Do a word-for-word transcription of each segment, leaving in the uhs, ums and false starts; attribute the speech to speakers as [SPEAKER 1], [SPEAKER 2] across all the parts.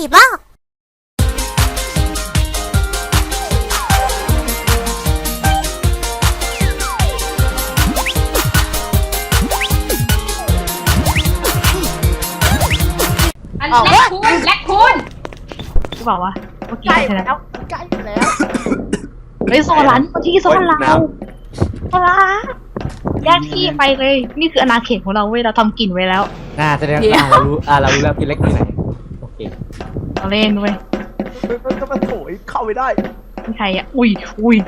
[SPEAKER 1] บ้า
[SPEAKER 2] อันแรกคูณแรกคูณ
[SPEAKER 3] กูบอกว่าเมื่อกี้
[SPEAKER 4] ใกล้
[SPEAKER 3] ใช่ไหม
[SPEAKER 4] แล้วใกล้แล้ว
[SPEAKER 3] เฮ้ยโซลันเมื่อกี้โซลันเราโซลันแยกที่ไปเลยนี่คืออาณาเขตของเราเว้ยเราทำกลิ่นไว้แล้ว
[SPEAKER 5] น่าแสดงว่าเรารู้อ่าเรารู้แล้วพี่เล็กอยู่ไหนโอเค
[SPEAKER 3] เราเล่นเว้ย
[SPEAKER 4] มันก็มาโถยเข้าไปได้
[SPEAKER 3] มีใครอ่ะอุ้ยอุ้ย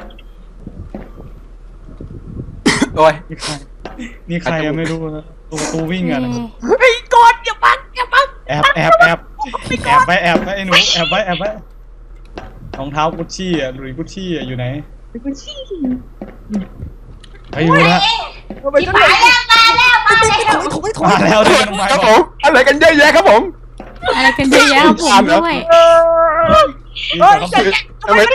[SPEAKER 6] โอ้ย
[SPEAKER 7] นี่ใครยังไม่รู้นะตัวประตูวิ่งอ่ะ
[SPEAKER 4] ไอ้กดอย่าปังอย่าปัง
[SPEAKER 7] แอบแอบแอบแอบไปแอบไปไอ้หนูแอบไปแอบไปรองเท้ากุชชี่อ่ะหลุยส์กุชชี่อ่ะอยู่ไหน
[SPEAKER 3] กุชี่
[SPEAKER 7] ไปอยู่ละ
[SPEAKER 4] ทำไม
[SPEAKER 2] ที่
[SPEAKER 4] ฉัน
[SPEAKER 2] มาแล้วมาแล้วมาแล้ว
[SPEAKER 7] มาแล้วเดินลงไป
[SPEAKER 6] ครับผมอะไรกันเยอะแยะครับผม
[SPEAKER 2] อะไรกันเยอะแยะผมด้วย
[SPEAKER 4] เฮ้ย
[SPEAKER 7] เขา
[SPEAKER 6] ทำไม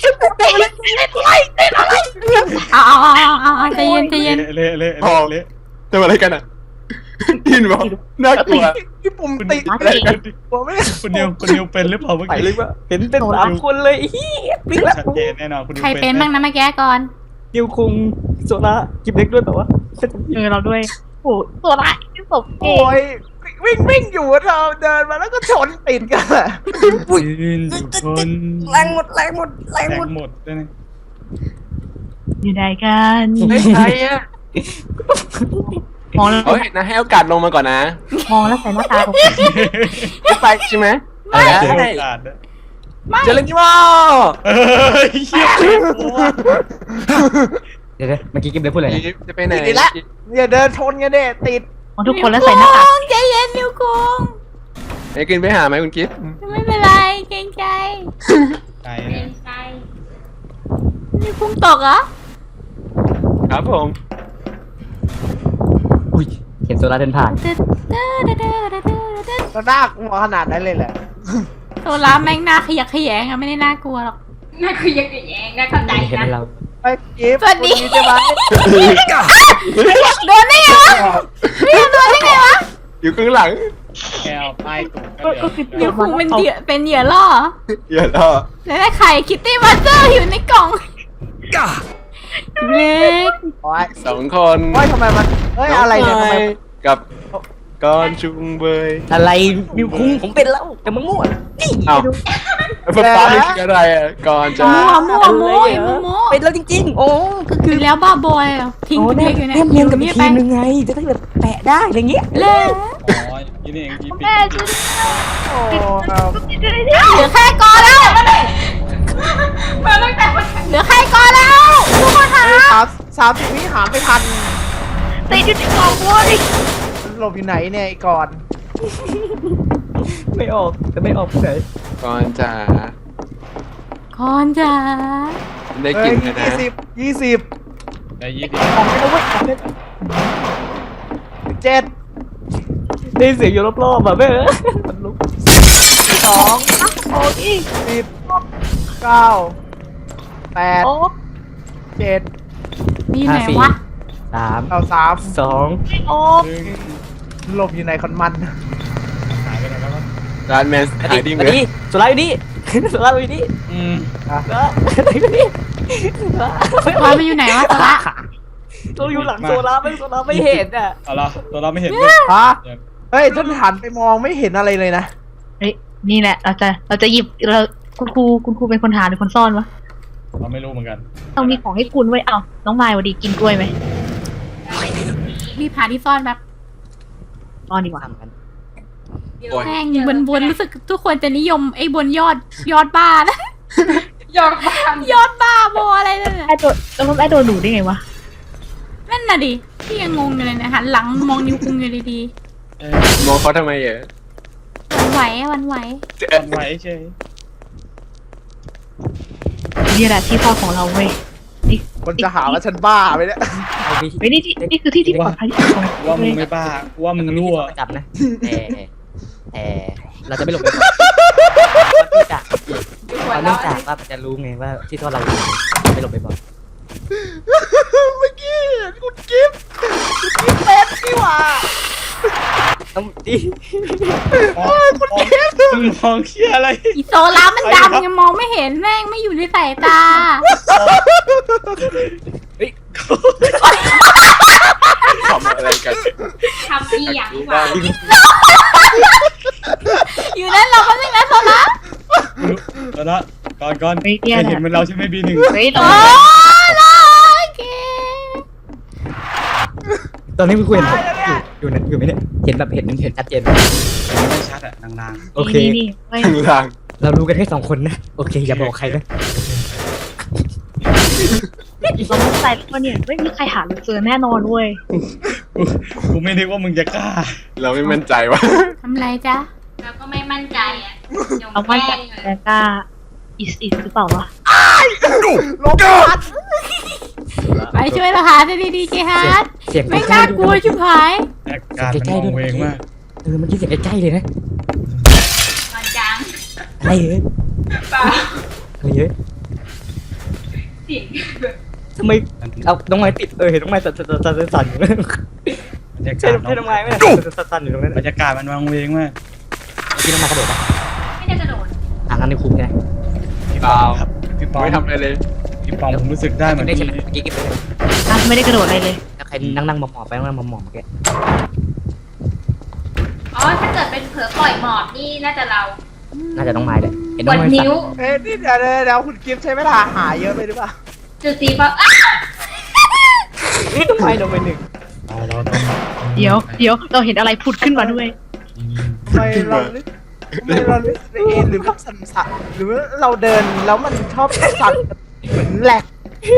[SPEAKER 2] เอาเอาเอาเอาเอาใจเย็นใจเย็น
[SPEAKER 7] เละเละ
[SPEAKER 6] พอ
[SPEAKER 7] เละ
[SPEAKER 6] ทำอะไรกันอ่ะดินบอกน่ากลัว
[SPEAKER 4] ที่ปุ่ม
[SPEAKER 7] คุณ
[SPEAKER 4] ติด
[SPEAKER 7] อะไรกัน
[SPEAKER 4] ผมไม่
[SPEAKER 7] คุณนิวคุณนิวเป็นหรือเปล่าเมื่อ
[SPEAKER 4] ไป
[SPEAKER 7] กี้
[SPEAKER 4] เลยว่าเห็นเป็นสามคนเลยอีปิ๊กแล้ว
[SPEAKER 7] ชัดเจนแน่นอนคุณนิว
[SPEAKER 2] ใครเป็นบ้างนะเมื่อกี้ก่อน
[SPEAKER 4] นิวคุงโซล่ากิบเล็กด้วยแต่ว่า
[SPEAKER 3] เออเราด้วยโอ้โซลันที่ศพเอ
[SPEAKER 4] โอ้ยวิ่งวิ่งอยู่เราเดินมาแล้วก็ชนติดกันอะ
[SPEAKER 7] ยืนอยู่บน
[SPEAKER 4] แรงหมดแรงหมดแรง
[SPEAKER 7] แต
[SPEAKER 4] หม
[SPEAKER 7] ก
[SPEAKER 4] ด
[SPEAKER 7] หมดด้วยนะ
[SPEAKER 3] อยู่ไหนกัน
[SPEAKER 4] ไม่ใช่อะ
[SPEAKER 3] มองแล้ว
[SPEAKER 6] เฮ้ยนะให้โอกาสลงมาก่อนนะ
[SPEAKER 3] มองแล้วใส่หน้าตาตก
[SPEAKER 6] ไม่ไปใช่ไหม
[SPEAKER 7] เจอโอกาสนะ
[SPEAKER 6] เจอเล่นที่ว่า
[SPEAKER 7] เฮ้ยเฮียกลัว
[SPEAKER 5] เดี๋ยวเมื่อกี้กิ๊บเล็กพูดอะไรนะ
[SPEAKER 6] จะไปไหน
[SPEAKER 4] ติดแล้วอย่าเดินชนกันเด้ติด
[SPEAKER 3] มองทุกคนแล้วใส่หน้าตา
[SPEAKER 2] ใจเย็นนิวคุง
[SPEAKER 6] ไอ้กินไปหาไหมคุณกิ๊ฟ
[SPEAKER 2] ไม่เป็นไรเกรงใจ
[SPEAKER 7] ไกล
[SPEAKER 2] เกร
[SPEAKER 7] นะ
[SPEAKER 2] งใจนิวคุงตกเหรอ
[SPEAKER 6] ครับผม
[SPEAKER 5] อุ้ยเห็นโซล่าเดินผ่าน
[SPEAKER 4] ก็น่ากลัวขนาดนั้นเลยแหละ
[SPEAKER 2] โซล่าแม่งหน้าขยักขยงอะไม่ได้น่ากลัวหรอกน่าขยักขยงนะเข้าใจ
[SPEAKER 5] เห็น
[SPEAKER 2] นะ
[SPEAKER 5] เรา
[SPEAKER 4] ไปกิฟ
[SPEAKER 2] สวัสดี
[SPEAKER 4] ใช่ไหม
[SPEAKER 2] โดนได้ไงวะพี่โดนได้ไงวะ
[SPEAKER 6] อยู่ข้างหลัง
[SPEAKER 7] แก้วป้ายตูด
[SPEAKER 3] ก็ก็คือ
[SPEAKER 2] นิวคุงเป็นเหยื่อเป็นเหยื่อล่อ
[SPEAKER 6] เยอะแล้ว
[SPEAKER 2] แล้วได้ไข่คิตตี้มาสเตอร์อยู่ในกล่องเล็ก
[SPEAKER 4] โอ้ย
[SPEAKER 6] สองคน
[SPEAKER 4] โอ้ยทำไมมันเฮ้ยอะไรเนี่ยทำไม
[SPEAKER 6] กับกอนจุงเบย
[SPEAKER 5] อะไรนิวคุ้งผมเป็นแล้วแต่มึงมั่ว
[SPEAKER 6] เอ้าฟ้าฟ้านี่คืออะไรอ่ะก่อนจะ
[SPEAKER 2] มั่วมั่วมั่วมั่วมั่ว
[SPEAKER 5] เป็นแล้วจริงๆ โอ้
[SPEAKER 2] ก็คือแล้วบ้าบอยอ่ะทิ้งคุณเด็กอยู่เนี่ย
[SPEAKER 5] แนมเนียนกับ
[SPEAKER 2] นี่
[SPEAKER 5] อีกทีมนึงไง จะได้แบบแปะได้อะไรเงี้ย
[SPEAKER 2] เล่
[SPEAKER 7] อ๋อยี่นี่เองยี่ปิด
[SPEAKER 3] แม่ช่วย
[SPEAKER 4] โอ้ครับ
[SPEAKER 2] เหลือแค่กอแล้วเหลือแค่กอแล้วทุกคนคะ
[SPEAKER 4] สามสามสิบวิหารไม่ทัน
[SPEAKER 3] ติดอยู่ที่กล่องเว้ย
[SPEAKER 4] มันหลบอยู่ไหนเนี่ยไอ้ก่อน
[SPEAKER 5] ไม่ออกจะไม่ออกที่ไหน
[SPEAKER 6] ก่อนจะ
[SPEAKER 2] คอนจ้า
[SPEAKER 6] ได้
[SPEAKER 4] เฮ้
[SPEAKER 6] กิ
[SPEAKER 4] ย
[SPEAKER 6] นกันนะ
[SPEAKER 4] ยี่สิบยี่สิบ
[SPEAKER 7] ได้ยี่สิบ
[SPEAKER 4] ของไม่ต้องเว้ยของไม่เจ็ด
[SPEAKER 5] ได้เสียงอยู่รอบๆแบบแม่มันลุก
[SPEAKER 4] สองโอ้ยสิบเก้าแปด
[SPEAKER 3] โอ้
[SPEAKER 4] เจ็ด
[SPEAKER 2] นี่ไหนวะ
[SPEAKER 5] สาม
[SPEAKER 4] เก้าสาม
[SPEAKER 5] สอง
[SPEAKER 3] โอ้
[SPEAKER 4] หลบอยู่ไหนคนมัน
[SPEAKER 7] หายไปไหนแล้ววะ
[SPEAKER 6] ร้านแมนขายดีไหม
[SPEAKER 5] อันนี้โซล่าอยู่นี่โซล่าอยู่นี่
[SPEAKER 7] อืม
[SPEAKER 5] โซล่าอยู่นี่
[SPEAKER 2] คอนไปอยู่ไหนวะตะละ
[SPEAKER 5] ตัวอยู่หลังโซล่าไม่โซล่าไม่เห็นอ่ะ
[SPEAKER 7] เอาละตัวเราไม่เห็นเลย
[SPEAKER 4] ฮะเฮ้ยฉันหันไปมองไม่เห็นอะไรเลยนะ
[SPEAKER 3] เฮ้ยนี่แหละเราจะเราจะหยิบเราคุณครูคุณครูเป็นคนหาหรือคนซ่อนวะ
[SPEAKER 7] เราไม่รู้เหมือนกัน
[SPEAKER 3] ต้องมีของให้คุณไว้เอาน้องมายวันดีกินกล้วยไหม
[SPEAKER 2] รีบหาที่ซ่อนแบบ
[SPEAKER 3] ซ่อนดีกว่า
[SPEAKER 5] ทำกัน
[SPEAKER 6] โอ้ย
[SPEAKER 2] แม่งบนบนรู้สึกทุกคนจะนิยมไอ้บนยอดยอดบ้านะยอดบ้ายอดบ้าบออะไรนั่นน่ะ
[SPEAKER 3] ไอ้ตัวแล้วมันไอ้ตัวหนูได้ไงวะ
[SPEAKER 2] นั่นน่ะดิพี่ยังงงอยู่เลยนะหันหลังมองนิ้วคุงอยู่ดี
[SPEAKER 6] มองเขาทำไมอ่ะ
[SPEAKER 2] ๆวันไหววันไหว
[SPEAKER 7] วันไหวใช่
[SPEAKER 3] นี่แหละที่พ่อของเราเว้ยนี่
[SPEAKER 4] คนจะหาว่าฉันบ้าไปเนี่ย
[SPEAKER 5] เอาไป
[SPEAKER 3] เฮ้ยนี่ที่นี่คือที่ที่ปลอดภัยที่สุดของ
[SPEAKER 7] ว่ามึ
[SPEAKER 3] เว้
[SPEAKER 7] ง
[SPEAKER 3] ย
[SPEAKER 7] ไม่บ้าว่ามึงรั่ว
[SPEAKER 5] ประจับนะแต่แต่เราจะไม่หลบไปก่อนเนื่องจากเนื่องจากว่ามันจะรู้ไงว่าที่ตัวเราอยู่ไม่หลบไปก่อน
[SPEAKER 4] เมื่อกี้เห็นคุณกิฟต์คุณกิฟต์เป็นนี่หว่า
[SPEAKER 5] ต้องดี
[SPEAKER 7] คุณเกมงมองเคี้ยอะไร
[SPEAKER 2] อีโซล่ามันดำไงมองไม่เห็นแม่งไม่อยู่ในสายตา
[SPEAKER 6] ทำอะไรกัน
[SPEAKER 2] ทำอีหยังวะอยู่นั่นเราก็ไม่นะโซล่า
[SPEAKER 7] ตอนละก่อนก่อน
[SPEAKER 3] เฮ้ยเนี่ย
[SPEAKER 7] เห็นเหมันเราใช่ไหมบีหนึ่ง
[SPEAKER 3] เฮ้ยตร
[SPEAKER 2] โอ้
[SPEAKER 3] งนี้
[SPEAKER 2] ล่ะโอเค
[SPEAKER 5] ตอนนี้คุณครูเห็นผมอยู่อยู่นั่นอยู่ไหมเนี่ยเห็นแบบเห็นเห็นชัดเจน
[SPEAKER 7] ไม่ชัดอะลาง
[SPEAKER 5] โอเค
[SPEAKER 3] นี่นี่เฮ้ย
[SPEAKER 6] ข้างล่าง
[SPEAKER 5] เรารู้กันแค่สองคนนะโอเคอย่าบอกใครนะ
[SPEAKER 3] เรามั่นใจแล้วว่าเนี่ยไม่มีใครหาเราเจอแน่นอนเว้ย
[SPEAKER 7] ๆกูไม่นึกว่ามึงจะกล้า
[SPEAKER 6] เราไม่มั่นใจว่า
[SPEAKER 2] ทำไรจ๊ะเราก็ไม่มั่นใจอ่ะ
[SPEAKER 3] เรามั่นใจแต่กล้าอิสอิสหรือเปล่าวะ
[SPEAKER 2] ไปช่วยเราหาจะดีๆเจฮาร์ด
[SPEAKER 5] เสียง
[SPEAKER 2] ไม่น่ากลัวชิบหาย
[SPEAKER 7] แอคการมันมองเวงมาก
[SPEAKER 5] เออเมื่อกี้เสียงใกล้ๆเลยนะ
[SPEAKER 2] มันจัง
[SPEAKER 5] อะไรเอ้ยอะไรเอ้ย
[SPEAKER 2] เสียง
[SPEAKER 5] ทำไมเอาน้องไม้ติดเออเห็นน้องไม้สั่นสั่นสั่นสั่นอยู่
[SPEAKER 7] บรรยา
[SPEAKER 5] ใช่
[SPEAKER 7] กาศ
[SPEAKER 5] ใช่น้องไม้ไหมสั่นสั่นอยู่ตรงนั้น
[SPEAKER 7] บรรยากาศมันมองเวงมาก
[SPEAKER 5] เมื่อกี้น้องไม้กระโดดปะ
[SPEAKER 2] ไม่ได้กระโดด
[SPEAKER 5] อ่างั้นในคุกไง
[SPEAKER 7] พี่ปอมครับพี่ปอม
[SPEAKER 6] ไม่ทำอะไรเลย
[SPEAKER 7] พี่ปอมผมรู้สึกได้เหมือน
[SPEAKER 5] ได้
[SPEAKER 7] ที่
[SPEAKER 5] ใช่ไหมเมื่อกี้เก็บไปเลย
[SPEAKER 3] อ่ะไม่ได้กระโดดอะไรเลย
[SPEAKER 5] แล้วใครนั่งนั่งมองๆไปนั่งมองๆเมื่อกี้
[SPEAKER 2] อ๋อถ้าเกิดเป็นเผลอปล่อยหมอบนี่น่าจะเรา
[SPEAKER 5] น่าจะน้องไม้เลยเห็น
[SPEAKER 2] ก
[SPEAKER 5] น้อง
[SPEAKER 2] ด
[SPEAKER 5] ไม้สั่
[SPEAKER 2] นิ้ว
[SPEAKER 4] เอ้ยนี่เดี๋ยวเดี๋ยวเดี๋ยวคุณกิฟต์ใช้เวลาหาเยอะไปหรือเปล่า
[SPEAKER 2] จุดสีฟ้าอ้าว
[SPEAKER 5] นี่น้องไม้ลงไปหนึ่ง
[SPEAKER 7] เราเราต้อง
[SPEAKER 3] เดี๋ยวเดี๋ยวเราเห็นอะไรผุดขึ้นมาด้วย
[SPEAKER 4] ทำไมเรานึกทำไมเรานึกในเอ็นหรือว่าสั่นสั่นหรือว่าเราเดินแล้วมันชอบสั่นเหมือนแหลก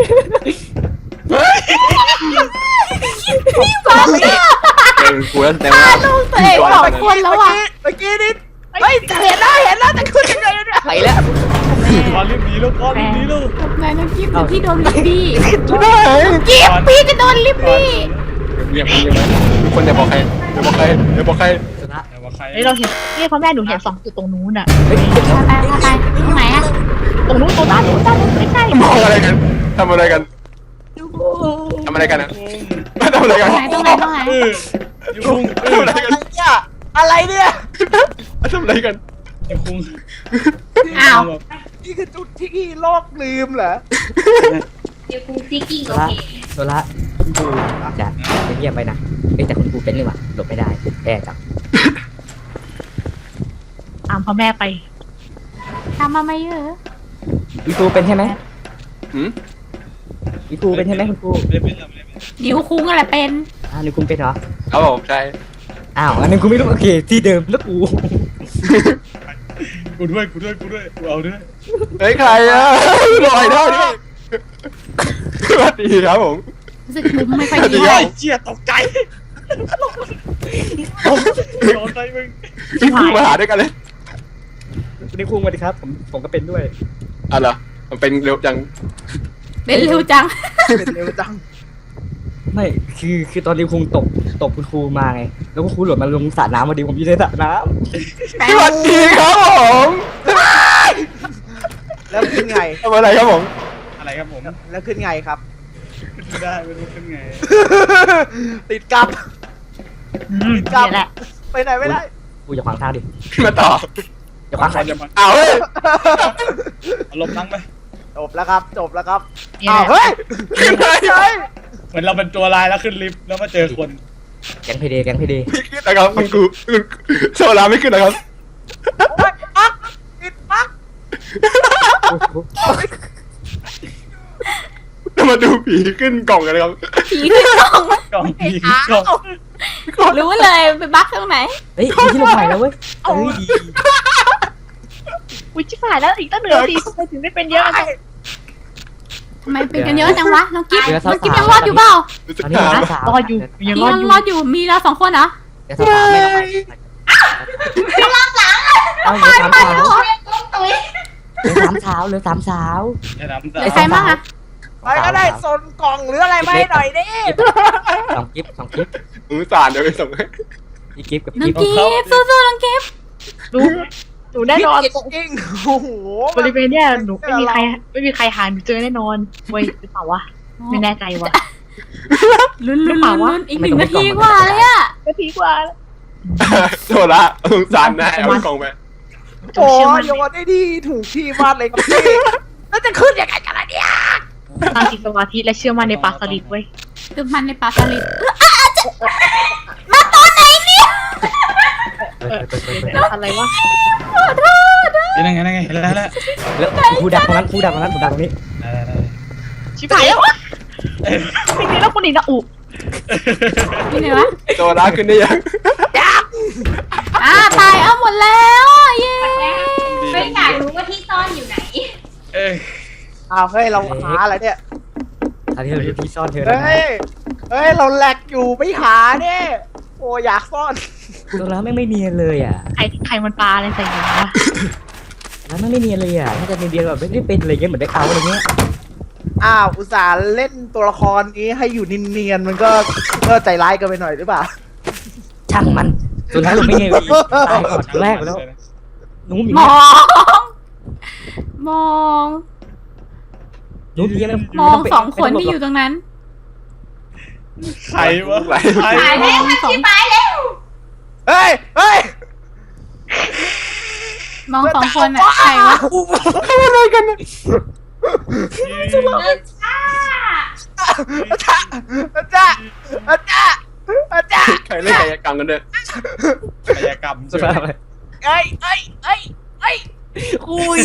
[SPEAKER 6] เป็นกูแล้วแต่ว่า
[SPEAKER 2] ลูกตัวเองสองคนแล้วอ่ะ
[SPEAKER 4] เมื่อกี้นี่เฮ้ยเห็นแล้วเห็นแล้วแต่คุณยังไงเนี่ย
[SPEAKER 5] ไปแล้ว
[SPEAKER 7] พอรีบหนีลูกพอรีบหนีลูก
[SPEAKER 2] นายน้องกิ๊บเดี๋ยวพี่โดนลิบบี้
[SPEAKER 6] ได้
[SPEAKER 2] กิ๊บพี่จะโดนลิบบี้
[SPEAKER 6] เงียบเงียบทุกคนอย่าบอกใครอย่าบอกใครอย่าบอกใคร
[SPEAKER 5] ชนะ
[SPEAKER 7] แต่ว่าใคร
[SPEAKER 3] เฮ้ยเราเห็นนี่พ่อแม่หนูเห็นสองจุดตรงนู้นอ่ะ
[SPEAKER 5] เฮ้ย
[SPEAKER 2] ไปไปไปตรงไหนอ่ะ
[SPEAKER 3] ตรงนู้นตรงนั้นตรงนั้นไม่ใช่
[SPEAKER 6] มองอะไรกันทำอะไรกันทำอะไรกันนะทำอะไร
[SPEAKER 2] ต
[SPEAKER 6] กั
[SPEAKER 2] ร
[SPEAKER 6] น
[SPEAKER 2] งไหนตรงไหนตรงไหน
[SPEAKER 7] เออยูคุงเอ
[SPEAKER 6] ทำ
[SPEAKER 7] อ
[SPEAKER 6] อะไรกัน
[SPEAKER 4] เนี่ยอะไรเนี่ย
[SPEAKER 6] ทำอะไรกัน
[SPEAKER 7] ยูคุง
[SPEAKER 2] อ้าว
[SPEAKER 4] นี่คือจุดที่โลกลืมเหรอ
[SPEAKER 2] เดี๋ยวกูซิกกิ้ง
[SPEAKER 5] โซ
[SPEAKER 2] โอ
[SPEAKER 5] ล่า
[SPEAKER 2] เค
[SPEAKER 5] โซล่าคุณครูจะเงียบไปนะเอ้ยแต่คุณครูเป็นเลยว่ะหลบไม่ได้แย่จัง
[SPEAKER 3] ตามพ่อแม่ไป
[SPEAKER 2] ทำมาไม่เยอะ
[SPEAKER 5] คุณครูเป็นใช่ไหม
[SPEAKER 6] หืม
[SPEAKER 5] คุณครูเป็นใช่ไหมคุณครู
[SPEAKER 7] ไม่ได้เป็นไม่ได้เป็น
[SPEAKER 2] นิ้วคุ้งอะไรเป็น
[SPEAKER 5] อ่านี่คุณเป็นเหรอ
[SPEAKER 6] ครับผมใช่
[SPEAKER 5] อ้าวอันนี้กูไม่รู้โอเคที่เดิมแล้วกู
[SPEAKER 7] กูด้วยกูด้วยกูด้วยกูเอาด้วย
[SPEAKER 6] เฮ้ยใครอ่ะลอยได้ด้วยสวัสดีครับผม
[SPEAKER 2] รู้สึกมุมไม่ค่อย
[SPEAKER 6] เดี๋
[SPEAKER 2] ดี
[SPEAKER 6] ยว
[SPEAKER 7] ไอ้เจี๊ยตกใจโดนใจมึง
[SPEAKER 6] พี่ครูมาหาด้วยกันเลย
[SPEAKER 5] นี่ครูมาดิครับผมผมก็เป็นด้วย
[SPEAKER 6] อ่ะเหรอมันเป็นเร็วจัง
[SPEAKER 2] เป็นเร็วจัง
[SPEAKER 4] เป็นเร็วจัง
[SPEAKER 5] ไม่คือคือตอนนี้ครูตกตกคุณครูมาไงแล้วคุณครูหล่นมาลงสระน้ำพอดีผมอยู่ในสระน้
[SPEAKER 6] สวัสดีครับผม
[SPEAKER 4] แล้วขึ้นไง
[SPEAKER 6] ทำอะไรครับผม
[SPEAKER 7] อะไรครับผม
[SPEAKER 4] แล้วขึ้นไงครับ
[SPEAKER 7] ไม่ได้ไม่รู้เป็นไง
[SPEAKER 4] ติดกับ
[SPEAKER 3] อืมนี่แหละ
[SPEAKER 4] ไปไหนไม่ได้
[SPEAKER 5] ำครูอย่าขวางทางดิ
[SPEAKER 6] ขึ้นมาต่อ
[SPEAKER 5] อย่าขวางทาง
[SPEAKER 7] จะมา
[SPEAKER 6] อ้าวเฮ้ย
[SPEAKER 7] อารมณ์นั่งไป
[SPEAKER 4] จบแล้วครับ จบแล้วครับ
[SPEAKER 3] นี่
[SPEAKER 4] อ้า
[SPEAKER 3] แห
[SPEAKER 4] ว
[SPEAKER 3] ละ
[SPEAKER 4] เฮ้ยขึ้นไงเฮ้ย
[SPEAKER 7] เหมือนเราเป็นตัวลายแล้วขึ้นลิฟต์แล้วมาเจอคน
[SPEAKER 5] แก๊งเพเดแก๊งเพเด
[SPEAKER 6] ไม่ขึ้นนะครับคุณครูคุณโซลาไม่ขึ้นนะครับ
[SPEAKER 4] ปักติดปัก
[SPEAKER 6] จะมาดูผีขึ้นกล่องกันนะครับ
[SPEAKER 2] ผีขึ้นกล่อง
[SPEAKER 7] กล่องผีกล่อง
[SPEAKER 2] รู้เลยไปบั๊กตรงไหน
[SPEAKER 5] เฮ้ยมีที่ลงใหม่แล้วเว้ยเฮ้ยดี
[SPEAKER 3] อุ้ยชิบหายแล้วอีกตั้งเหนือสิทำไมถึงได้เป็นเยอะจัง
[SPEAKER 2] ทำไมเป็นกันเยอะจังวะน้องกิ๊บ
[SPEAKER 5] เดี๋ยว
[SPEAKER 2] น้องกิ๊บ
[SPEAKER 5] สาวๆ
[SPEAKER 2] ยังรอดอยู่เปล่า
[SPEAKER 6] รู้สึก
[SPEAKER 5] ตอนนี้
[SPEAKER 6] หา
[SPEAKER 5] เราสาว
[SPEAKER 3] รอดอยู่ยัง
[SPEAKER 2] พี่
[SPEAKER 3] รอด
[SPEAKER 2] ยัง
[SPEAKER 3] อยู่
[SPEAKER 2] รอดอยู่มีเราสองคนเหรอ
[SPEAKER 5] เดี๋ยวสาวๆไม่ลงใหม่เอาเหลือสามสาวเหลือสามสาวเหลือสามสาว
[SPEAKER 7] จะน้ำ
[SPEAKER 2] เห
[SPEAKER 7] ตา
[SPEAKER 2] ลือใครบ้างอะ
[SPEAKER 4] ไปก็ได้โซนกล่องหรืออะไรไม่หน่อยดิ
[SPEAKER 5] สองกิฟสองกิฟ
[SPEAKER 6] มือสานเดี๋ยวไปส่งให้
[SPEAKER 5] อีกิฟกับ
[SPEAKER 2] น้อง
[SPEAKER 5] กิฟ
[SPEAKER 2] กิ๊บสู้ๆน้องกิ๊บ
[SPEAKER 3] ดูหนูแน่นอน
[SPEAKER 4] จริงๆโอ้โห
[SPEAKER 3] บริเวณเนี้ยหนูไม่มีใครไม่มีใครหาหนูเจอแน่นอนเว้ยหรือเปล่าวะไม่แน่ใจวะ
[SPEAKER 2] ลุ้นลุ้น
[SPEAKER 3] หรือเป
[SPEAKER 2] ลุ้
[SPEAKER 3] ล่าน วะ
[SPEAKER 2] ลุ้นอีกหนึ่งนาทีกว่าเลยอะ
[SPEAKER 3] ก็ทีกว่า
[SPEAKER 6] โซลาสงสารนายเอากล่องไป
[SPEAKER 4] โอ้ยโยนได้ดีถูกที่มากเลยครับพี่แล้วจะขึ้นยังไงกันล่ะเนี่ย
[SPEAKER 3] ตั้งจิตสมาธิและเชื่อมั่นในปลาสลิดเว้ย
[SPEAKER 2] คือมันในปลาสลิด
[SPEAKER 5] เปิดเปิดเปิดเปิด
[SPEAKER 3] อะไรวะ
[SPEAKER 7] นี่นั่งไงนั่งไงเห็นแล้วแล้ว
[SPEAKER 5] แล้วผู้ดักตรงนั้นผู้ดักตรงนั้นผู้ดักตรงนี้
[SPEAKER 7] ได้ได้
[SPEAKER 3] ชิบหายแล้ววะไม่ดีแล้วคนอีกนะอุ
[SPEAKER 2] นี่ไงวะ
[SPEAKER 6] โซล่าขึ้นได้ยัง
[SPEAKER 2] อ่าตายเอาหมดแล้วอ่ะเย้
[SPEAKER 1] ไม่อยากรู้ว่าที่ซ่อนอยู่ไหน
[SPEAKER 7] เอ้ย
[SPEAKER 4] อ้าวเฮ้ยเราหาอะไรเนี่ย
[SPEAKER 5] อันนี้เราอยู่ที่ซ่อนเธอแล้ว
[SPEAKER 4] เฮ้ยเฮ้ยเราแหลกอยู่ไม่หาเนี่ยโอ้อยากซ่อน
[SPEAKER 5] ตัวแล้วไม่ไม่เนียนเลยอ่ะ
[SPEAKER 3] ใครใครมันปลาอะไรใส่หัววะ
[SPEAKER 5] แล้วไม่ไม่เนียนเลยอ่ะน่าจะเนียนแบบไม่ได้เป็นอะไรเงี้ยเหมือนได้เขาอะไรเงี้ย
[SPEAKER 4] อ้าวอุตส่าห์เล่นตัวละครนี้ให้อยู่เนียนๆมันก็ก็ใจร้ายเกันไปหน่อยหรือเปล่า
[SPEAKER 5] ช่างมันตัวแล้วเราไม่เนียนเลยตายก่อนตัวแรกแล้วนู้มอย่าง
[SPEAKER 2] ม
[SPEAKER 5] เงี้
[SPEAKER 2] อย ง มอง
[SPEAKER 5] นู้มอย่างเงี้ยไม่
[SPEAKER 2] มองสองคนที่อยู่ตรงนั้น
[SPEAKER 7] ใครวะใคร
[SPEAKER 1] ตายแล้วมันที่ตายแล้ว
[SPEAKER 4] เฮ้ยเฮ้ย
[SPEAKER 2] มองสองคนอ่ะใครวะ
[SPEAKER 4] อะไรกันเนี่ย
[SPEAKER 1] เดินช้า
[SPEAKER 4] อาจารย์อาจารย์อาจารย์อาจารย์
[SPEAKER 6] ใครเล่นกายกรรมกันเนี่ย
[SPEAKER 7] กายกรรม
[SPEAKER 5] ตัว
[SPEAKER 7] ใช่ไหม
[SPEAKER 5] แล้ว
[SPEAKER 4] เอ้ยเอ้ยเอ้ยเอ้ย
[SPEAKER 5] อุ้ย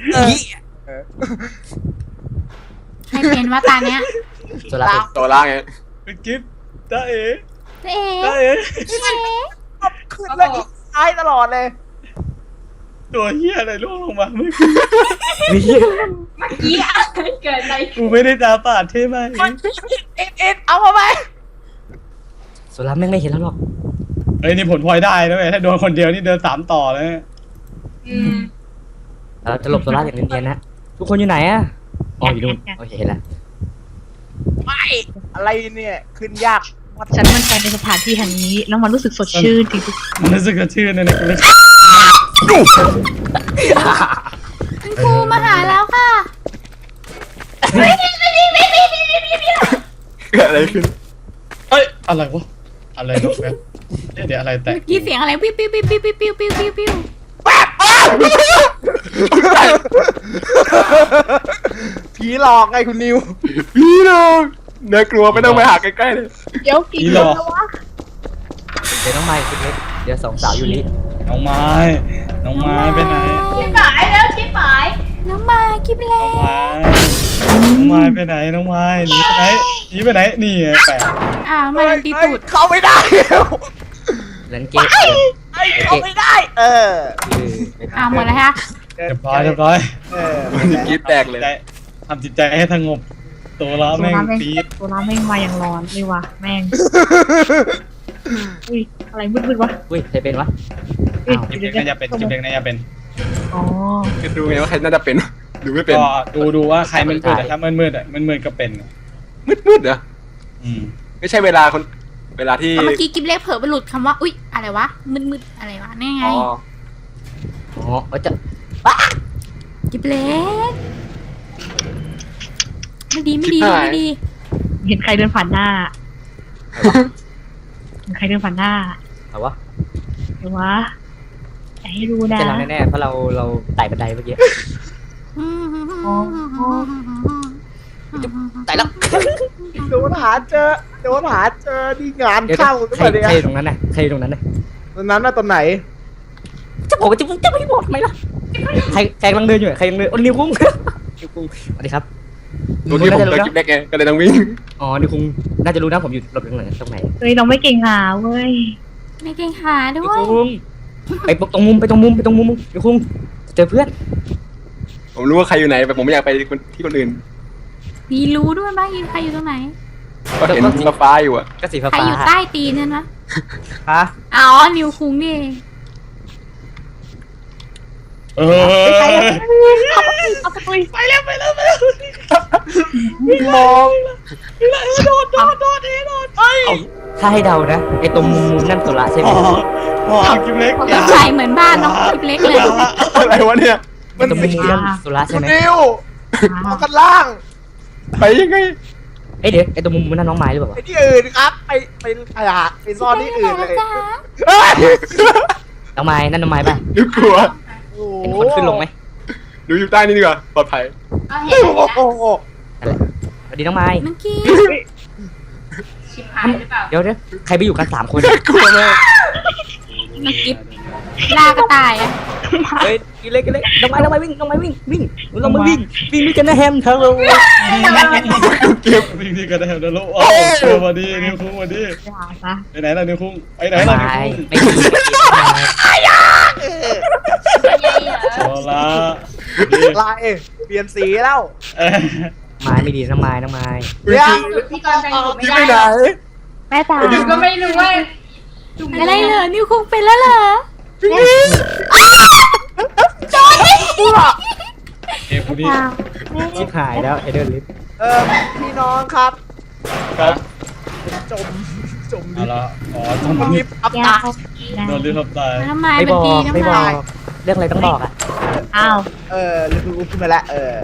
[SPEAKER 2] ใครเป็นว่าตาเนี้ย
[SPEAKER 5] ตัวแล้ว
[SPEAKER 6] โซล่าไง
[SPEAKER 7] เป็นกิฟต์ตาเอ๋
[SPEAKER 2] เอ๊
[SPEAKER 7] ตาเอ๋
[SPEAKER 2] ะ
[SPEAKER 4] ขึ้นแล้วอีกท้ายตลอดเลย
[SPEAKER 7] ตัวเฮียอะไรล่วงลงมาเมื่อ
[SPEAKER 5] มี
[SPEAKER 1] เมื่อกี้อะไรเกิดอะไร
[SPEAKER 7] กูไม่ได้ตาปาดใช่ไหม
[SPEAKER 4] เอ็ดเอ็ดเอามาไหม
[SPEAKER 5] ตัวแล้วแม่งไม่เห็นแล้วหรอก
[SPEAKER 7] เอ้ยนี่ผลพลอยได้นะเว้ยถ้าโดนคนเดียวนี่เดินสามต่อเลย
[SPEAKER 1] อืม
[SPEAKER 5] เราจะหลบตัวแล้วอย่างเนียนๆนะทุกคนอยู่ไหนอ่ะอ๋ออยู่นู่นโอเคเห็นแล้ว
[SPEAKER 4] ไม่อะไรเนี่ยขึ้นยาก
[SPEAKER 3] ฉันมั่นใจในสถานที่แห่งนี้ แล้วมันรู้สึกสดชื่นจริง
[SPEAKER 7] มันรู้สึกกระชื่นเลยนะกูเลย
[SPEAKER 2] คุณครูมาหาแล้วค่ะ
[SPEAKER 6] เกิดอะไรขึ้น
[SPEAKER 7] เอ้ยอะไรวะอะไรนกแป๊บเดี๋ยวเดี๋ยวอะไรแตก
[SPEAKER 2] เมื่อกี้เสียงอะไรปิ้วปิ้วปิ้วปิ้วปิ้วปิ้วปิ้วปิ้ว
[SPEAKER 4] ผีหลอกไงคุณนิว
[SPEAKER 6] พี่น้องน่ากลัวไม่ต้องไปหาใกล้ๆเลย
[SPEAKER 3] ๆเดี๋ยวกี่คนแล้ววะ
[SPEAKER 5] เดี๋ยวน้องไมค์คุณเล็กเดี๋ยวสองสาวอยู่นี่
[SPEAKER 7] น้องไม้น้องไม้ไปไหน
[SPEAKER 1] ที่หายแล้วที่หาย
[SPEAKER 2] น้องมาคิดแล้
[SPEAKER 7] น้องไม้น้องไม้ไปไหนน้องไม้หนีไปไหนหนีไปไหนนี่ไงแปะ
[SPEAKER 2] อ่ามาโดนตีตูด
[SPEAKER 4] เข้าไม่ได้
[SPEAKER 5] เล่นเกม
[SPEAKER 4] ไอ้เข้าไม่ได้ เออ
[SPEAKER 2] อ่าหมดแล้วฮะ
[SPEAKER 7] เรียบร้อยเรียบร้อย
[SPEAKER 4] เออ
[SPEAKER 6] กรีดแตกเลย
[SPEAKER 7] ทำจิตใจให้สงบตัวเรา
[SPEAKER 3] ตัว
[SPEAKER 7] แม่ง
[SPEAKER 3] น้ำแม่ง
[SPEAKER 7] ปี๊ด
[SPEAKER 3] ตัวน้ำแม่งมาอย่างร้อนเลยว่ะแม่งอุ้ยอะไรมืดๆวะ
[SPEAKER 5] อุ้ยใครเป็นวะ
[SPEAKER 3] เอ้ย
[SPEAKER 7] คลิปเล็กน่าจะเป็นคลิปเล็กน่าจะเป็น
[SPEAKER 3] อ๋อ
[SPEAKER 6] จะดูไงว่าใครน่าจะเป็นดูไม่เป็น
[SPEAKER 7] ก็ดูดูว่าใครมันมืดแต่ถ้ามันมืดอ่ะมันมืดก็เป็น
[SPEAKER 6] มืดมืดๆเหรอ
[SPEAKER 7] อืม
[SPEAKER 6] ไม่ใช่เวลาคนเวลาที่
[SPEAKER 2] เมื่อกี้กิฟเล็กเผลอไปหลุดคำว่า อุ๊ย อะไรวะ มึนๆ อะไรวะ นี่ไง
[SPEAKER 6] อ๋อ
[SPEAKER 5] อ๋อเออจะ
[SPEAKER 2] กิฟเล็ก ไม่ดี ไม่ดี ไม่ดี
[SPEAKER 3] เห็นใครเดินผ่านหน้าเห็นใครเดินผ่านหน้า
[SPEAKER 5] เอาวะ
[SPEAKER 3] เดี๋ยววะอย่าให้รู้นะ
[SPEAKER 5] จะเราแน่ๆเพราะเราเราไต่บันไดเมื่อกี้ไต่แล้ว
[SPEAKER 4] โดนหาเจอโดนหาเจอนี่งาน
[SPEAKER 5] เดี๋ยว
[SPEAKER 4] เข้าหรือ
[SPEAKER 5] ใค
[SPEAKER 4] เป
[SPEAKER 5] ร
[SPEAKER 4] ล่าเนี่ย
[SPEAKER 5] ใครอยู่ตรงนั้นน่ะใครอยู่ตรงนั้นน่ะ
[SPEAKER 4] ตอนนั้นน่ะตอนไหน
[SPEAKER 5] จะบอกว่าจะจะไม่บอกทำไมล่ะใครใครกำลังเดินอยู่ใครกำลังเดินโอ้นิวคุ้งนิวคุ้งสวัสดีครับ
[SPEAKER 6] ตัวที่ผมเจอคลิปเล็กไงก็เลยต้องวิ่ง
[SPEAKER 5] อ๋อนิวคุ้งน่าจะรู้นะผมอยู่หลบตรงไหนตรงไหน
[SPEAKER 3] เฮ้ยเราไม่เก่งหาเว้ย
[SPEAKER 2] ไม่เก่งหาด้
[SPEAKER 5] นิว
[SPEAKER 2] วย
[SPEAKER 5] คุ้งไปตรงมุมไปตรงมุมไปตรงมุมนิวคุ้งเจอเพื่อน
[SPEAKER 6] ผมรู้ว่าใครอยู่ไหนแต่ผมไม่อยากไปที่คนอื่น
[SPEAKER 2] มีรู้ด้วยบ้างใครอยู่ตรงไหน
[SPEAKER 6] ก็เห็นฟ้าๆอยู่อะ
[SPEAKER 5] ก็สีฟ้า
[SPEAKER 2] ใครอยู่ใต้ตีนนั่นนะ
[SPEAKER 5] ฮะ
[SPEAKER 2] อ๋อ นิวคุ้งนี่เอง
[SPEAKER 7] เออ
[SPEAKER 3] เอาไปคุย
[SPEAKER 7] ไปแล้วไปแล้วไปแล้ว
[SPEAKER 4] มอง
[SPEAKER 7] โดดโดดโดดเองโดดไป
[SPEAKER 5] ถ้าให้เดานะไอตรงมุมมุมนั่นสุระใช่ไหม
[SPEAKER 7] พอพอคลิปเล็ก
[SPEAKER 2] ต้นชายเหมือนบ้านน้องกิฟเล็กเลย
[SPEAKER 6] อะไรวะเนี่ย
[SPEAKER 5] ไอตรงมุมมุมนั่นสุระใช่ไหม
[SPEAKER 4] นิวเอากันล่าง
[SPEAKER 6] ไปยังไง
[SPEAKER 5] เอ้ยเดี๋ยวไอตรงมุมมุมนั่นน้องไม้หรือเปล่า
[SPEAKER 4] ไปที่อื่นครับไปไปไปหาไปซ่อนที่อื่นเลย
[SPEAKER 2] จ้า
[SPEAKER 4] เฮ้ย
[SPEAKER 5] น้องไม้นั่นน้องไม้ป่ะ
[SPEAKER 6] นึกกลัว
[SPEAKER 4] โอ้
[SPEAKER 5] เห็นคนขึ้นลงไหม
[SPEAKER 6] ดูอยู่ใต้นี่ดีกว่าปลอดภัย
[SPEAKER 1] เอาเห็น
[SPEAKER 4] โอ้โห
[SPEAKER 5] สวัสดีน้องไม้
[SPEAKER 2] น้องกี้
[SPEAKER 1] ชิบหายหรือเปล่า
[SPEAKER 5] เดี๋ยวเดี๋ยวใครไปอยู่กันสามคน
[SPEAKER 6] กลัวมาก
[SPEAKER 2] น้องกิ๊บล่ากระต่ายอะ
[SPEAKER 5] เฮ้ยกินเล็กกินเล็กน้องไม้น้องไม้วิ่งน้องไม้วิ่งวิ่งเรามาวิ่งวิ่งด้วยกันนะแฮมเธอเรา
[SPEAKER 6] เก็บ
[SPEAKER 7] วิ่งที่กันได้แล้วแล้วโอ้เจอมาดีนิวคุ้งมาดี
[SPEAKER 3] อย่าซะ
[SPEAKER 7] ไปไหนล่ะนิวคุ้งไปไหนล่ะนิว
[SPEAKER 5] ไม่
[SPEAKER 7] คุ้ง
[SPEAKER 5] ไม่กินไม่กิน
[SPEAKER 7] โซล่า
[SPEAKER 4] ลายเปลี่ยนสีแล้ว
[SPEAKER 7] เอ้ย
[SPEAKER 5] ไม้ไม่ดีน้องไม้น้องไม้
[SPEAKER 4] เดี๋ยว
[SPEAKER 1] จุดที่กรแต่งผมไม่
[SPEAKER 4] ยิ้ม
[SPEAKER 1] ได้
[SPEAKER 4] ไปไหน
[SPEAKER 3] แม่ตา
[SPEAKER 1] จุดก็ไม่รู้ว่า
[SPEAKER 2] อะไรเหรอนิวคงเป็นแล้วเหรอ
[SPEAKER 7] เอ้ยคนนี้
[SPEAKER 5] ชิบหายแล้วไอเดอร์ลิฟ
[SPEAKER 4] เออพี่น้องครับ
[SPEAKER 7] ครับ
[SPEAKER 4] จมจม
[SPEAKER 7] เอา
[SPEAKER 4] ลิฟต์
[SPEAKER 7] ละอ๋อจม
[SPEAKER 4] จม
[SPEAKER 7] ลิ
[SPEAKER 4] ลิ
[SPEAKER 7] ฟ
[SPEAKER 4] ฟ
[SPEAKER 7] ต์
[SPEAKER 4] ต์อับ
[SPEAKER 3] อย่า
[SPEAKER 4] ตา
[SPEAKER 3] เข้านะ
[SPEAKER 7] โดนลิฟต์ทับตาย
[SPEAKER 2] น้ำไม้
[SPEAKER 5] ไม่
[SPEAKER 2] เป็
[SPEAKER 5] บ
[SPEAKER 2] น
[SPEAKER 5] อ
[SPEAKER 2] ดี
[SPEAKER 5] กไม่
[SPEAKER 2] น้ำ
[SPEAKER 5] บอ
[SPEAKER 2] ลาย
[SPEAKER 5] กเรื่องอะไรต้องบอกอ่ะ
[SPEAKER 3] อ้าว
[SPEAKER 4] เออลิฟต์ขึ้นมาแล้วเออ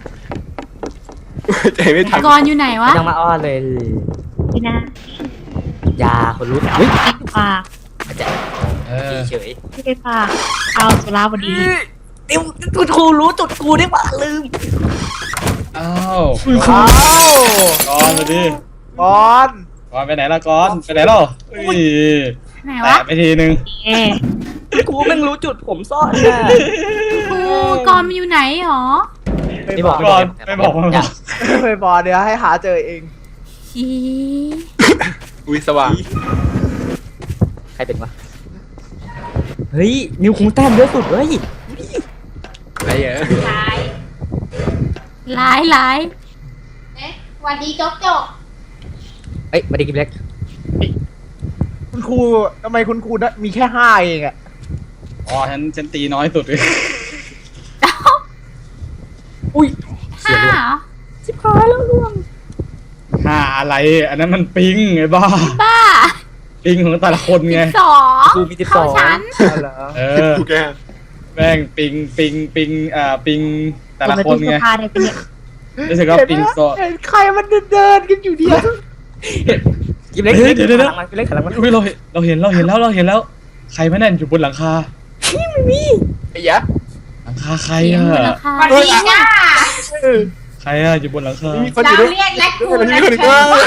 [SPEAKER 6] ใจไม่ทัน
[SPEAKER 2] กรอยู่ไหนวะ
[SPEAKER 5] ไม่ต้องมาอ้อนเลย
[SPEAKER 3] พี่นะ
[SPEAKER 5] ยาคนรู้เฮ้ย
[SPEAKER 3] พี่ปาก
[SPEAKER 5] จะ
[SPEAKER 7] เออ
[SPEAKER 5] เฉย
[SPEAKER 3] พี่ไปปากเอาสุราบดี
[SPEAKER 5] เดี๋ยวจุดกูรู้จุดกูได้ป่ะลืม
[SPEAKER 7] อ้าว
[SPEAKER 4] ว้าว
[SPEAKER 7] ก้อนมาดิ
[SPEAKER 4] บอล
[SPEAKER 7] ก้อนไปไหนล่ะก้อนไปไหนล่ะเฮ้ย
[SPEAKER 2] ไหน
[SPEAKER 7] แตะ
[SPEAKER 2] วะ
[SPEAKER 7] ไปทีนึง
[SPEAKER 3] เอ๊ะ
[SPEAKER 5] กูแม่งรู้จุดผมซ่อนน่ะ
[SPEAKER 2] ครูกรมันอยู่ไหนหรอ
[SPEAKER 5] ไม่บอก
[SPEAKER 7] ก้อนไม่บอกไม่บอก
[SPEAKER 4] ไปบอลเดี๋ยวให้หาเจอเอง
[SPEAKER 2] ชี
[SPEAKER 6] อุ้ยสว่าง
[SPEAKER 5] ใครเป็นวะเฮ้ยนิวคงแต้มเยอะสุดเฮ้ย
[SPEAKER 6] อะไรอ่ะ
[SPEAKER 1] ท้าย
[SPEAKER 2] หลายหลาย
[SPEAKER 1] เอ๊ะวันดีจกจก
[SPEAKER 5] เอ้ยมาดีกินเล็ก
[SPEAKER 4] คุณครูทำไมคุณครูมีแค่ห้าเองอะ
[SPEAKER 7] อ๋อฉันฉันตีน้อยสุดเลย
[SPEAKER 5] อุ้ย
[SPEAKER 2] ห้าเหรอ
[SPEAKER 5] ชิบหายแล้วล่วง
[SPEAKER 7] ห้าอะไรอันนั้นมันปิงไงบ้า
[SPEAKER 2] บ้า
[SPEAKER 7] ปิงของแต่ละคนไง
[SPEAKER 2] สอง
[SPEAKER 5] กูมีสิบส
[SPEAKER 2] เข้า
[SPEAKER 5] อง
[SPEAKER 2] ชั้น
[SPEAKER 4] เอาเหรอ
[SPEAKER 7] เออ
[SPEAKER 6] กูแก
[SPEAKER 7] แม่งปิงปิงปิงอ่าปิงแต่ละคน
[SPEAKER 3] เสื้
[SPEAKER 7] ไง
[SPEAKER 3] อผ้าได้ปะเนี่ย
[SPEAKER 7] รู้สึกว่าปิงโซ
[SPEAKER 4] เห็นใครมันเดินๆกันอยู่เดียว
[SPEAKER 5] กินเล็ก
[SPEAKER 7] เฮ้ยเดี๋ยวเดี๋ยว
[SPEAKER 5] หลังมันกินเล็กหลังมัน
[SPEAKER 7] อุ้ยเราเห็นเราเห็นเราเห็นแล้วเราเห็นแล้ว ใครมาแน่นอยู่บนหลังคา
[SPEAKER 6] ไอ้ยะ
[SPEAKER 7] หลังคาใคร
[SPEAKER 2] เสียง
[SPEAKER 7] อะ
[SPEAKER 2] มูลค่า
[SPEAKER 1] วันดีจ้า
[SPEAKER 7] ใครอะอยู่บนหลังคา
[SPEAKER 6] มีคนอ
[SPEAKER 1] เรา
[SPEAKER 6] ยู่ด้วย
[SPEAKER 1] เรียกและคู
[SPEAKER 6] มันมี
[SPEAKER 1] และ
[SPEAKER 6] คนอยู่
[SPEAKER 1] เชิ
[SPEAKER 6] ด้วย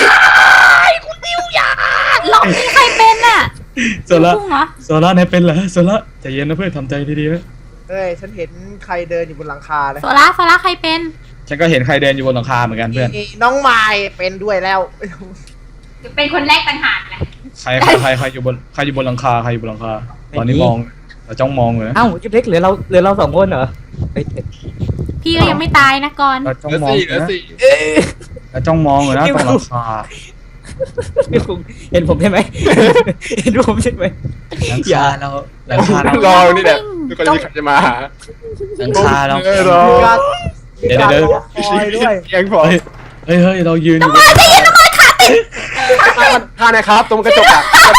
[SPEAKER 1] ญ
[SPEAKER 2] หลอกนี่ใครเป็นอ่ะ
[SPEAKER 7] โซล่า
[SPEAKER 2] พุ่งเหรอ
[SPEAKER 7] โซล่าไหนเป็นเหรอโซล่าใจเย็นนะเพื่อนทำใจดีๆนะ
[SPEAKER 4] เฮ้ยฉันเห็นใครเดินอยู่บนหลังคาเลย
[SPEAKER 2] โซล่าโซล่าใครเป็น
[SPEAKER 7] ฉันก็เห็นใครเดินอยู่บนหลังคาเหมือนกันเพื่อน
[SPEAKER 4] มีน้องไม้เป็นด้วยแล้ว
[SPEAKER 1] เป็นคนแรกต่างหากแหละ
[SPEAKER 7] ใครใครใครใครอยู่บนใครอยู่บนหลังคาใครอยู่บนหลังคาตอนนี้มองเราจ้องมองเลยนะ
[SPEAKER 5] เอ้ากินเล็กเหลือเราเหลือเราสองคนเหรอเฮ้ย
[SPEAKER 2] พี่ก็ยังไม่ตายนะกร
[SPEAKER 7] เราจ้อง
[SPEAKER 6] เหลือ
[SPEAKER 7] มอง
[SPEAKER 6] สี่
[SPEAKER 7] อ
[SPEAKER 6] เหลื
[SPEAKER 7] ยู่
[SPEAKER 6] อ
[SPEAKER 7] นะ
[SPEAKER 6] สี่
[SPEAKER 7] เราจ้องมองอยู่นะตรงหลังคา
[SPEAKER 5] นิวคงเห็นผมใช่ไหมเห็นผมใช่ไหม
[SPEAKER 7] หลังคาเราหลังคาเรา
[SPEAKER 6] รอนี่แหละทุกคนมีใครจะมาหา
[SPEAKER 7] หลังคาเรา
[SPEAKER 6] เออรอ
[SPEAKER 4] มีการ
[SPEAKER 7] เดี๋ยวเดี๋ยว
[SPEAKER 4] มีการรอคอยด้วย
[SPEAKER 6] ยังพอ
[SPEAKER 7] เฮ้ยเฮ้ยเฮ้ยเรายืนอยู่
[SPEAKER 6] ท่านะครับ ตรงกระจกอ่ะ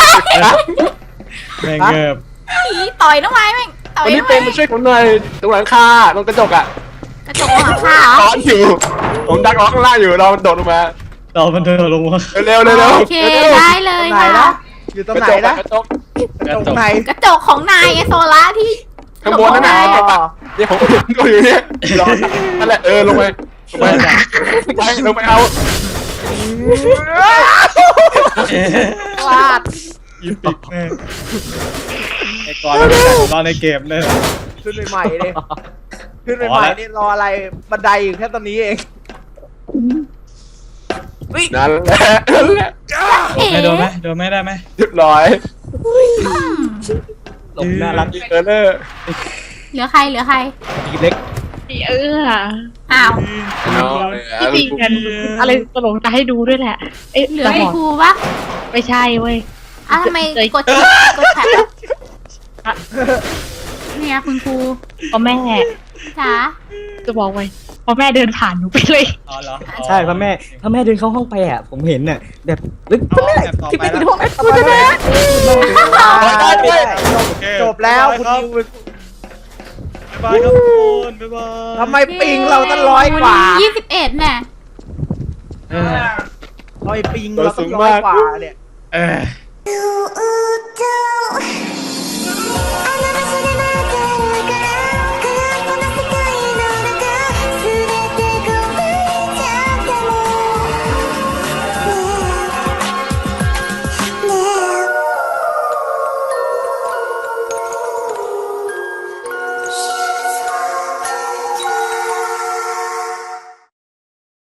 [SPEAKER 7] แม่งเงิบ
[SPEAKER 2] ผีต่อยน้องไม้แม่งต่อย
[SPEAKER 6] วันนี้
[SPEAKER 2] น้อง
[SPEAKER 6] เป็
[SPEAKER 2] ไม้
[SPEAKER 6] นมาช่วยผมหน่อยตรงหลังคาตรงกระจกอ่ะ
[SPEAKER 2] กระจกหลังคาเหรอ
[SPEAKER 6] ร้อนอยู่ ผมดักล้อข้างล่างอยู่รอมันโดดลงมา
[SPEAKER 7] เรามันเดินลงมา
[SPEAKER 6] เร็วๆเร็วๆเร็ว
[SPEAKER 2] โอเคได้เลย
[SPEAKER 4] ไหน
[SPEAKER 2] ค่ะ
[SPEAKER 4] นะอยู่ตรง
[SPEAKER 6] กระ
[SPEAKER 4] ไหน
[SPEAKER 6] จก
[SPEAKER 4] นะ
[SPEAKER 6] กระจก
[SPEAKER 4] ตรงไหน
[SPEAKER 2] กระจกของนายไงโซล่าที่
[SPEAKER 6] ข้างบนนั่น
[SPEAKER 2] ไง
[SPEAKER 6] น่ะกระจกเนี่ยผมก็อยู่เนี่ยรอนั่นแหละเออลงไปลงไปไปลงไปเอา
[SPEAKER 4] พลาด
[SPEAKER 7] ยิบปิกแม่งไอ้กอนเราแต่ของเราในเกมเลย
[SPEAKER 4] ขึ้นใหม่ๆเลยขึ้นใหม่ๆนี่รออะไรบันไดอยู่แค่ตอนนี้เอง
[SPEAKER 6] นั่นแหละนั่นแหละ
[SPEAKER 2] เอ๋
[SPEAKER 7] ไม่โดนไหมโดนไหมได้ไหม
[SPEAKER 6] เรียบร้อย
[SPEAKER 2] อืม
[SPEAKER 5] หลบน่ารัก
[SPEAKER 6] เออเลอร์
[SPEAKER 2] เหลือใครเหลือใคร
[SPEAKER 5] กินเล็ก
[SPEAKER 3] เออ
[SPEAKER 2] อ้าว
[SPEAKER 6] น้อง
[SPEAKER 3] ที่จริงกันอะไรตลกจะให้ดูด้วยแหละ เอ๊ะ
[SPEAKER 2] เหลือ
[SPEAKER 3] แต่
[SPEAKER 2] ไอ้
[SPEAKER 3] บอก
[SPEAKER 2] ครูปะ
[SPEAKER 3] ไม่ใช่เว้ย
[SPEAKER 2] อ้าวทำไม
[SPEAKER 3] เคย
[SPEAKER 2] กดกดแท็บเนี่ยคุณครู
[SPEAKER 3] พอแม่
[SPEAKER 2] จ๋า
[SPEAKER 3] จะบอกไว้พอแม่เดินผ่านหนูไปเลย
[SPEAKER 7] อ๋อเหรอ
[SPEAKER 5] ใช่พ่อแม่พ่อแม่เดินเข้าห้องไปอ่ะผมเห็นน่ะแบบลึกพ่อแม่ที่ไปที่ห้องแม่
[SPEAKER 4] กูจะแม่
[SPEAKER 6] ได้ด้วย
[SPEAKER 7] โอเค
[SPEAKER 4] จบแล้วคุณ
[SPEAKER 7] บ๊าย
[SPEAKER 4] นิว
[SPEAKER 7] บายครับทุกคนบ๊ายบาย
[SPEAKER 4] ทำไมปิงเราตั้งร้อยกว่า
[SPEAKER 2] ยี่สิบเอ็ดเนี่ย
[SPEAKER 7] เออ
[SPEAKER 4] ทำไมปิงเราตั้งร้อยกว่าเนี่ย
[SPEAKER 7] เออ